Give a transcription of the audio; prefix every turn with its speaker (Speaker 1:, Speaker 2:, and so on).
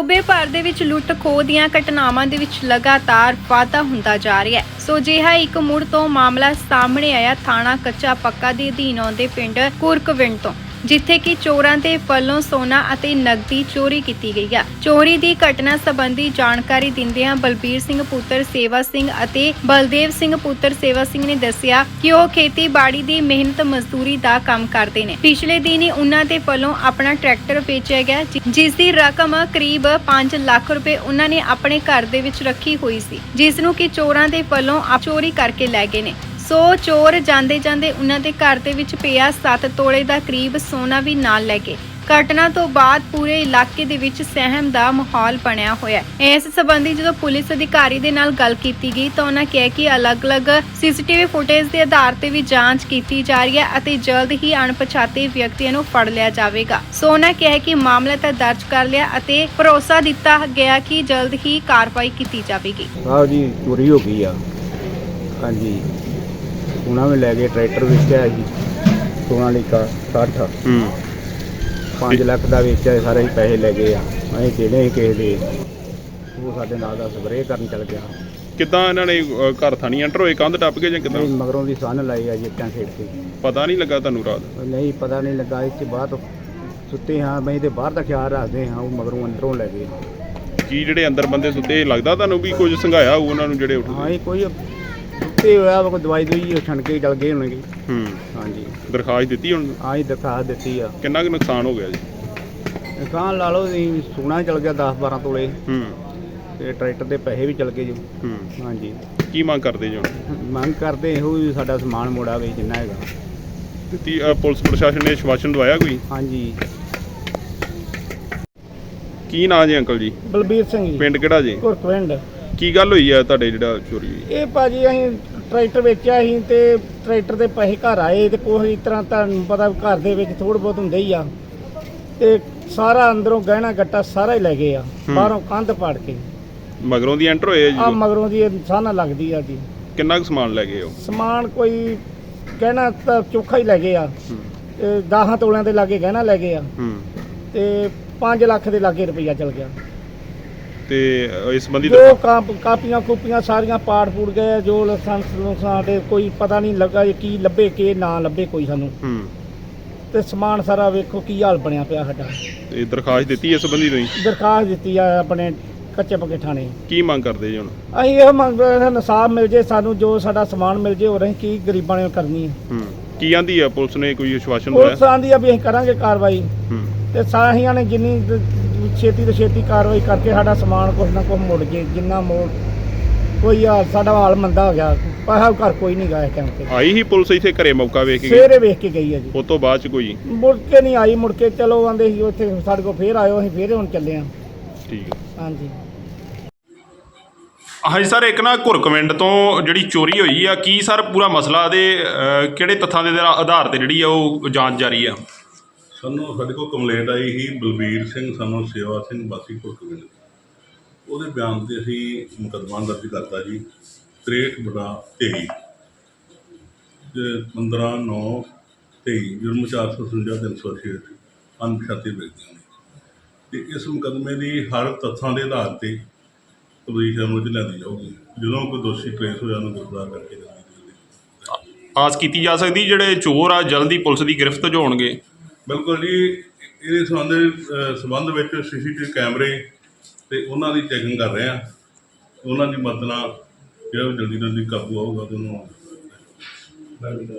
Speaker 1: ਸੂਬੇ ਭਰ ਦੇ ਵਿੱਚ ਲੁੱਟ ਖੋਹ ਦੀਆਂ ਘਟਨਾਵਾਂ ਦੇ ਵਿੱਚ ਲਗਾਤਾਰ ਵਾਧਾ ਹੁੰਦਾ ਜਾ ਰਿਹਾ ਹੈ। ਸੋ ਅਜਿਹਾ ਇੱਕ ਮੁੜ ਤੋਂ ਮਾਮਲਾ ਸਾਹਮਣੇ ਆਇਆ ਥਾਣਾ ਕੱਚਾ ਪੱਕਾ ਦੇ ਅਧੀਨ ਆਉਂਦੇ ਪਿੰਡ ਕੁਰਕਵਿੰਡ ਤੋਂ, ਜਿੱਥੇ ਕਿ ਚੋਰਾਂ ਦੇ ਵੱਲੋਂ ਸੋਨਾ ਅਤੇ ਨਕਦੀ ਚੋਰੀ ਕੀਤੀ ਗਈ ਹੈ। ਚੋਰੀ ਦੀ ਘਟਨਾ ਸੰਬੰਧੀ ਜਾਣਕਾਰੀ ਦਿੰਦਿਆਂ ਬਲਬੀਰ ਸਿੰਘ ਪੁੱਤਰ ਸੇਵਾ ਸਿੰਘ ਅਤੇ ਬਲਦੇਵ ਸਿੰਘ ਪੁੱਤਰ ਸੇਵਾ ਸਿੰਘ ਨੇ ਦੱਸਿਆ ਕਿ ਉਹ ਖੇਤੀਬਾੜੀ ਦੀ ਮਿਹਨਤ ਮਜ਼ਦੂਰੀ ਦਾ ਕੰਮ ਕਰਦੇ ਨੇ। ਪਿਛਲੇ ਦਿਨ ਹੀ ਉਹਨਾਂ ਦੇ ਵੱਲੋਂ ਆਪਣਾ ਟਰੈਕਟਰ ਵੇਚਿਆ ਗਿਆ, ਜਿਸ ਦੀ ਰਕਮ ਕਰੀਬ 5 ਲੱਖ ਰੁਪਏ ਉਹਨਾਂ ਨੇ ਆਪਣੇ ਘਰ ਦੇ ਵਿੱਚ ਰੱਖੀ ਹੋਈ ਸੀ, ਜਿਸ ਨੂੰ ਕਿ ਚੋਰਾਂ ਦੇ ਵੱਲੋਂ ਚੋਰੀ ਕਰਕੇ ਲੈ ਗਏ ਨੇ। ਸੋ ਚੋਰ ਜਾਂਦੇ ਉਹਨਾਂ ਦੇ ਘਰ ਦੇ ਵਿੱਚ ਪਿਆ 7 ਤੋਲੇ ਦਾ ਕਰੀਬ ਸੋਨਾ ਵੀ ਨਾਲ ਲੈ ਗਏ। ਘਟਨਾ ਤੋਂ ਬਾਅਦ ਪੂਰੇ ਇਲਾਕੇ ਦੇ ਵਿੱਚ ਸਹਿਮ ਦਾ ਮਾਹੌਲ ਬਣਿਆ ਹੋਇਆ ਹੈ। ਇਸ ਸੰਬੰਧੀ ਜਦੋਂ ਪੁਲਿਸ ਅਧਿਕਾਰੀ ਦੇ ਨਾਲ ਗੱਲ ਕੀਤੀ ਗਈ ਤਾਂ ਉਹਨਾਂ ਕਿਹਾ ਕਿ ਅਲੱਗ-ਅਲੱਗ ਸੀਸੀਟੀਵੀ ਫੁਟੇਜ ਦੇ ਆਧਾਰ ਤੇ ਵੀ ਜਾਂਚ ਕੀਤੀ ਜਾ ਰਹੀ ਹੈ ਅਤੇ ਜਲਦ ਹੀ ਅਣਪਛਾਤੇ ਵਿਅਕਤੀਆਂ ਨੂੰ ਫੜ ਲਿਆ ਜਾਵੇਗਾ। ਸੋ ਉਹਨਾਂ ਕਿਹਾ ਕਿ ਮਾਮਲਾ ਤਾਂ ਦਰਜ ਕਰ ਲਿਆ ਅਤੇ ਭਰੋਸਾ ਦਿੱਤਾ ਗਿਆ ਕਿ ਜਲਦ ਹੀ ਕਾਰਵਾਈ ਕੀਤੀ ਜਾਵੇਗੀ।
Speaker 2: ਆਹ ਜੀ ਚੋਰੀ ਹੋ ਗਈ ਆ। ਹਾਂਜੀ ਉਹਨਾਂ ਨੇ ਲੈ ਕੇ ਟਰੈਕਟਰ ਵੇਚਿਆ ਜੀ, ਸੋਨਾਲੀਕਾ 60 5 ਲੱਖ ਦਾ ਵੇਚਿਆ, ਸਾਰੇ ਪੈਸੇ ਲੈ ਗਏ ਆ। ਅਸੀਂ ਜਿਹੜੇ ਕਿਸੇ ਦੇ ਉਹ ਸਾਡੇ ਨਾਲ ਦਾ ਸਪਰੇਅ ਕਰਨ ਚੱਲ ਗਿਆ।
Speaker 3: ਕਿੱਦਾਂ ਇਹਨਾਂ ਨੇ ਘਰ ਥਾਣੀ ਐਂਟਰ ਹੋਏ, ਕੰਧ ਟੱਪ ਕੇ ਜਾਂ ਕਿੱਦਾਂ?
Speaker 2: ਮਗਰੋਂ ਦੀ ਸੰਨ ਲਾਈ ਆ ਜੀ ਇੱਟਾਂ ਖੇਡ ਕੇ।
Speaker 3: ਪਤਾ ਨਹੀਂ ਲੱਗਾ ਤੁਹਾਨੂੰ ਰਾਤ?
Speaker 2: ਨਹੀਂ ਪਤਾ ਨਹੀਂ ਲੱਗਾ, ਇੱਥੇ ਬਾਹਰ ਸੁੱਤੇ ਹਾਂ ਬਈ ਤੇ ਬਾਹਰ ਦਾ ਖਿਆਲ ਰੱਖਦੇ ਹਾਂ, ਉਹ ਮਗਰੋਂ ਅੰਦਰੋਂ ਲੈ ਗਏ।
Speaker 3: ਕੀ ਜਿਹੜੇ ਅੰਦਰ ਬੰਦੇ ਸੁੱਤੇ ਲੱਗਦਾ ਤੁਹਾਨੂੰ ਵੀ ਕੁਝ ਸੰਘਾਇਆ ਹੋਊ ਉਹਨਾਂ ਨੂੰ ਜਿਹੜੇ ਉੱਠਦੇ?
Speaker 2: ਹਾਂ ਕੋਈ ਸੁੱਤੇ ਹੋਇਆ ਕੋਈ ਦਵਾਈ ਛਣ ਕੇ ਚੱਲ ਗਏ ਹੋਣਗੇ। ਹਾਂਜੀ
Speaker 3: ਦਰਖਾਸਤ ਦਿੱਤੀ ਹੁਣ?
Speaker 2: ਹਾਂ ਜੀ ਦਰਖਾਸਤ ਦਿੱਤੀ ਆ।
Speaker 3: ਕਿੰਨਾ ਕੁ ਨੁਕਸਾਨ ਹੋ ਗਿਆ ਜੀ?
Speaker 2: ਨੁਕਸਾਨ ਲਾ ਲਓ ਜੀ, ਸੋਨਾ ਚਲ ਗਿਆ 10-12 ਤੋਲੇ ਤੇ ਟਰੈਕਟਰ ਦੇ ਪੈਸੇ ਵੀ ਚਲ ਗਏ ਜੀ। ਹਾਂਜੀ
Speaker 3: ਕੀ ਮੰਗ ਕਰਦੇ ਜੀ ਹੁਣ?
Speaker 2: ਮੰਗ ਕਰਦੇ ਇਹੋ ਵੀ ਸਾਡਾ ਸਮਾਨ ਮੋੜਾ ਵੇ ਜਿੰਨਾ ਹੈਗਾ।
Speaker 3: ਦਿੱਤੀ ਪੁਲਿਸ ਪ੍ਰਸ਼ਾਸਨ ਨੇ ਆਸ਼ਵਾਸਨ ਦਵਾਇਆ ਕੋਈ?
Speaker 2: ਹਾਂਜੀ।
Speaker 3: ਕੀ ਨਾਂ ਜੀ ਅੰਕਲ ਜੀ?
Speaker 4: ਬਲਬੀਰ ਸਿੰਘ ਜੀ।
Speaker 3: ਪਿੰਡ ਕਿਹੜਾ ਜੀ?
Speaker 4: ਕੁਰਕਵਿੰਡ।
Speaker 3: ਕੀ ਗੱਲ ਹੋਈ ਆ ਤੁਹਾਡੇ ਜਿਹੜਾ ਚੋਰੀ ਹੋਈ?
Speaker 4: ਇਹ ਭਾਜੀ ਅਸੀਂ ਟਰੈਕਟਰ ਵੇਚਿਆ ਸੀ ਤੇ ਟਰੈਕਟਰ ਦੇ ਪੈਸੇ ਘਰ ਆਏ ਤੇ ਕੋਈ ਇਸ ਤਰ੍ਹਾਂ ਤੁਹਾਨੂੰ ਪਤਾ ਘਰ ਦੇ ਵਿੱਚ ਥੋੜ੍ਹ ਬਹੁਤ ਹੁੰਦੇ ਹੀ ਆ, ਤੇ ਸਾਰਾ ਅੰਦਰੋਂ ਗਹਿਣਾ ਗੱਟਾ ਸਾਰਾ ਹੀ ਲੈ ਗਏ ਆ, ਬਾਹਰੋਂ ਕੰਧ ਪਾੜ ਕੇ।
Speaker 3: ਮਗਰੋਂ ਦੀ ਐਂਟਰ ਹੋਏ ਜੀ?
Speaker 4: ਆ ਮਗਰੋਂ ਦੀ ਸਾਨਾ ਲੱਗਦੀ ਆ ਜੀ।
Speaker 3: ਕਿੰਨਾ ਕੁ ਸਮਾਨ ਲੈ ਗਏ ਉਹ?
Speaker 4: ਸਮਾਨ ਕੋਈ ਗਹਿਣਾ ਤਾਂ ਚੋਖਾ ਹੀ ਲੈ ਗਏ ਆ, 10 ਤੋਲਿਆਂ ਦੇ ਲਾਗੇ ਗਹਿਣਾ ਲੈ ਗਏ ਆ ਤੇ 5 ਲੱਖ ਦੇ ਲਾਗੇ ਰੁਪਈਆ ਚਲ ਗਿਆ।
Speaker 3: ਤੇ ਇਸ ਸੰਬੰਧੀ
Speaker 4: ਜੋ ਕਾਪੀਆਂ ਕੂਪੀਆਂ ਸਾਰੀਆਂ ਪਾੜ ਪੂੜ ਗਏ, ਜੋ ਲਾਇਸੈਂਸ ਸਾਡੇ ਕੋਈ ਪਤਾ ਨਹੀਂ ਲੱਗਾ ਕੀ ਲੱਭੇ ਕੀ ਨਾ ਲੱਭੇ ਕੋਈ ਸਾਨੂੰ। ਤੇ ਸਮਾਨ ਸਾਰਾ ਵੇਖੋ ਕੀ ਹਾਲ ਬਣਿਆ ਪਿਆ ਸਾਡਾ।
Speaker 3: ਤੇ ਦਰਖਾਸਤ ਦਿੱਤੀ ਇਸ ਸੰਬੰਧੀ ਤੁਸੀਂ?
Speaker 4: ਦਰਖਾਸਤ ਦਿੱਤੀ ਆ ਆਪਣੇ ਕੱਚੇ ਪੱਕੇ ਥਾਣੇ।
Speaker 3: ਕੀ ਮੰਗ ਕਰਦੇ ਜੀ ਹੁਣ?
Speaker 4: ਅਸੀਂ ਇਹ ਮੰਗ ਇਨਸਾਫ ਮਿਲ ਜੇ ਸਾਨੂੰ, ਜੋ ਸਾਡਾ ਸਮਾਨ ਮਿਲ ਜੇ, ਹੋਰ ਅਸੀਂ ਕੀ ਗਰੀਬਾਂ ਨੇ ਕਰਨੀ ਹੈ।
Speaker 3: ਕੀ ਆਂਦੀ ਆ ਪੁਲਿਸ ਨੇ, ਕੋਈ ਆਸ਼ਵਾਸਨ ਦਵਾਇਆ?
Speaker 4: ਪੁਲਿਸ ਆਂਦੀ ਆ ਵੀ ਅਸੀਂ ਕਰਾਂਗੇ ਕਾਰਵਾਈ, ਤੇ ਸਾਹੀਆਂ ਨੇ ਜਿੰਨੀ ਛੇਤੀ ਤੋਂ ਛੇਤੀ ਕਾਰਵਾਈ ਕਰਕੇ ਸਾਡਾ ਸਮਾਨ ਕੁਛ ਨਾ ਕੁਛ ਮੁੜ ਜੇ। ਜਿੰਨਾ ਮੋੜ ਕੋਈ ਸਾਡਾ ਹਾਲ ਮੰਦਾ ਹੋ ਗਿਆ, ਪੈਸਾ ਘਰ ਕੋਈ ਨਹੀਂ ਗਿਆ ਇਸ ਟਾਈਮ ਤੇ।
Speaker 3: ਆਈ ਹੀ ਪੁਲਿਸ ਇੱਥੇ ਘਰੇ ਮੌਕਾ ਵੇਖ ਕੇ?
Speaker 4: ਸਵੇਰੇ ਵੇਖ ਕੇ ਗਈ ਹੈ ਜੀ।
Speaker 3: ਉਸ ਤੋਂ ਬਾਅਦ ਚ ਕੋਈ
Speaker 4: ਮੁੜ ਕੇ ਨਹੀਂ ਆਈ। ਮੁੜ ਕੇ ਚਲੋ ਆਂਦੇ ਸੀ ਉੱਥੇ ਸਾਡੇ ਕੋਲ, ਫੇਰ ਆਇਓ, ਅਸੀਂ ਫੇਰ ਹੁਣ ਚੱਲੇ ਹਾਂ।
Speaker 3: ਠੀਕ ਹੈ।
Speaker 4: ਹਾਂਜੀ
Speaker 3: ਹਾਂਜੀ ਸਰ, ਇੱਕ ਨਾ ਕੁਰਕਵਿੰਡ ਤੋਂ ਜਿਹੜੀ ਚੋਰੀ ਹੋਈ ਆ, ਕੀ ਸਰ ਪੂਰਾ ਮਸਲਾ ਦੇ ਕਿਹੜੇ ਤੱਥਾਂ ਦੇ ਆਧਾਰ ਤੇ ਜਿਹੜੀ ਆ ਉਹ ਜਾਂਚ ਜਾਰੀ ਆ?
Speaker 5: ਸਾਨੂੰ ਸਾਡੇ ਕੋਲ ਕੰਪਲੇਂਟ ਆਈ ਸੀ ਬਲਬੀਰ ਸਿੰਘ ਸਾਨੂੰ ਸੇਵਾ ਸਿੰਘ ਵਾਸੀ ਕੁਰਕਵਿੰਡ, ਉਹਦੇ ਬਿਆਨ 'ਤੇ ਅਸੀਂ ਮੁਕੱਦਮਾ ਦਰਜ ਕਰਤਾ ਜੀ 63/23 ਤੇ 15/9/23 ਜੁਰਮ 457 ਅਣਪਛਾਤੇ ਵਿਅਕਤੀਆਂ ਨੇ। ਅਤੇ ਇਸ ਮੁਕੱਦਮੇ ਦੀ ਹਰ ਤੱਥਾਂ ਦੇ ਆਧਾਰ 'ਤੇ ਤਬਦੀਲ ਅਮਲ 'ਚ ਲਿਆਂਦੀ ਜਾਊਗੀ। ਜਦੋਂ ਕੋਈ ਦੋਸ਼ੀ ਟਰੇਸ ਹੋਇਆ ਉਹਨੂੰ ਗ੍ਰਿਫਤਾਰ ਕਰਕੇ
Speaker 3: ਆਸ ਕੀਤੀ ਜਾ ਸਕਦੀ ਜਿਹੜੇ ਚੋਰ ਆ ਜਲਦੀ ਪੁਲਿਸ ਦੀ ਗਿਰਫਤ 'ਚ ਹੋਣਗੇ?
Speaker 5: ਬਿਲਕੁਲ ਜੀ। ਇਹਦੇ ਸੰਬੰਧ ਵਿੱਚ CCTV ਕੈਮਰੇ ਤੇ ਉਹਨਾਂ ਦੀ ਚੈਕਿੰਗ ਕਰ ਰਹੇ ਹਾਂ। ਉਹਨਾਂ ਦੀ ਮਦਦ ਨਾਲ ਜਿਹੜਾ ਜਲਦੀ ਕਾਬੂ ਆਊਗਾ ਤੇ ਉਹਨੂੰ